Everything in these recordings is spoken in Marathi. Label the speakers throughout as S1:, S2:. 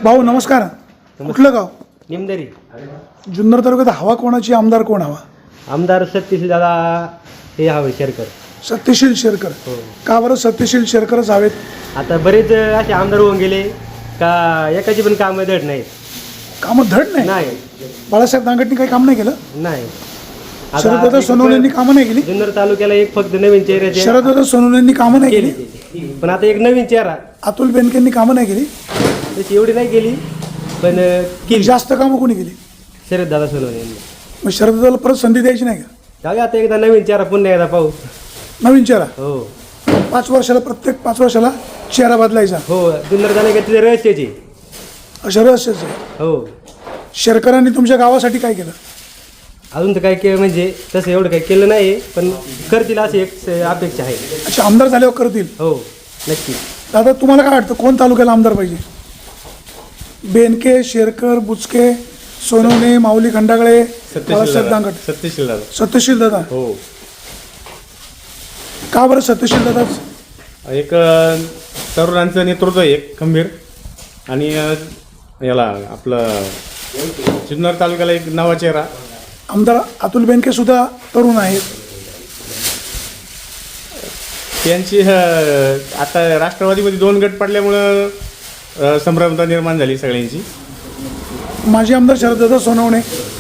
S1: भाऊ नमस्कार. कुठलं गाव?
S2: निमदरी.
S1: जुन्नर तालुक्यात हवा कोणाची, आमदार कोण हवा?
S2: आमदार सत्यशील दादा हे हवे शेरकर.
S1: सत्यशील शेरकर.
S2: हो.
S1: का बरं सत्यशील शेरकरच हवेत?
S2: आता बरेच असे आमदार होऊन गेले का एकाची पण कामं धड नाहीत.
S1: कामं धड नाही.
S2: नाही
S1: बाळासाहेब दांगटनी काही काम नाही केलं.
S2: नाही.
S1: शरददादा सोनवणेंनी कामं नाही केली.
S2: जुन्नर तालुक्याला एक फक्त नवीन चेहऱ्याचे
S1: शरददादा सोनवणेंनी कामं नाही
S2: केली
S1: केली.
S2: पण आता एक नवीन चेहरा
S1: अतुल बेनकेंनी कामं नाही केली.
S2: तशी एवढी नाही केली पण केली.
S1: जास्त कामं कोणी केली?
S2: शरद दादा सोनवणे यांनी.
S1: मग शरददादाला परत संधी द्यायची नाही का?
S2: जाऊया आता एकदा नवीन चेहरा पुन्हा एकदा पाहू.
S1: नवीन चेहरा.
S2: हो
S1: 5 वर्षाला, प्रत्येक 5 वर्षाला चेहरा बदलायचा.
S2: हो. जुन्नर तालुक्यात तिथे रहस्याची.
S1: अशा रहस्यच आहे.
S2: हो.
S1: शेरकरांनी तुमच्या गावासाठी काय केलं?
S2: अजून तर काय केलं म्हणजे तसं एवढं काही केलं नाही पण करतील अशी एक अपेक्षा आहे.
S1: अच्छा, आमदार झाल्यावर करतील.
S2: हो नक्की.
S1: दादा तुम्हाला काय वाटतं कोण तालुक्याला आमदार पाहिजे? बेनके, शेरकर, बुचके, सोनवणे, माऊली खंडागळे, बाळासाहेब दांगट?
S3: सत्यशील दादा.
S1: सत्यशील दादा.
S3: हो.
S1: का बरं सत्यशील दादाच?
S3: एक तरुणांचं नेतृत्व आहे एक खंबीर आणि याला आपलं जुन्नर तालुक्याला एक नवा चेहरा.
S1: आमदार अतुल बेनके सुद्धा तरुण आहेत.
S3: त्यांची आता राष्ट्रवादीमध्ये 2 गट पडल्यामुळं संभ्रमता निर्माण झाली सगळ्यांची.
S1: माजी आमदार शरददादा सोनवणे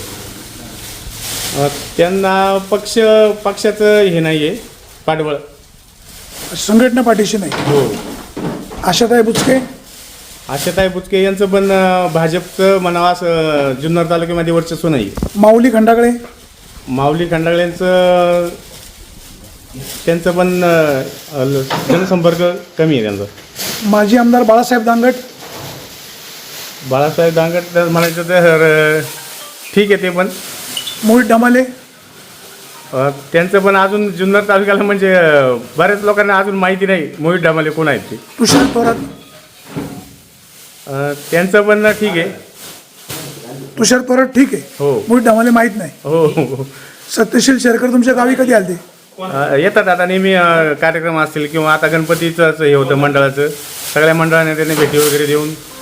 S3: त्यांना पक्षाचं हे नाही आहे पाठबळ.
S1: संघटना पाठीशी नाही.
S3: हो.
S1: आशाताई बुचके.
S3: आशाताई बुचके यांचं पण भाजपचं म्हणावं असं जुन्नर तालुक्यामध्ये वर्चस्व नाही.
S1: माऊली खंडागळे.
S3: माऊली खंडागळ्यांचं त्यांचं पण जनसंपर्क कमी आहे त्यांचा.
S1: माजी आमदार बाळासाहेब दांगट.
S3: बाळासाहेब दांगट म्हणायचं तर ठीक आहे ते पण.
S1: मोहित डमाले.
S3: त्यांचं पण अजून जुन्नर तालुक्याला म्हणजे बऱ्याच लोकांना अजून माहिती नाही मोहित डामाले कोण आहेत ते.
S1: तुषार थोरात.
S3: त्यांचं पण ठीक आहे.
S1: तुषार थोरात ठीक आहे.
S3: हो.
S1: मोहित डमाले माहीत नाही.
S3: हो.
S1: सत्यशील शेरकर तुमच्या गावी कधी आलते?
S3: येतात आता नेहमी कार्यक्रम असतील किंवा आता गणपतीचंच हे होतं मंडळाचं, सगळ्या मंडळाने त्यांनी भेटी वगैरे देऊन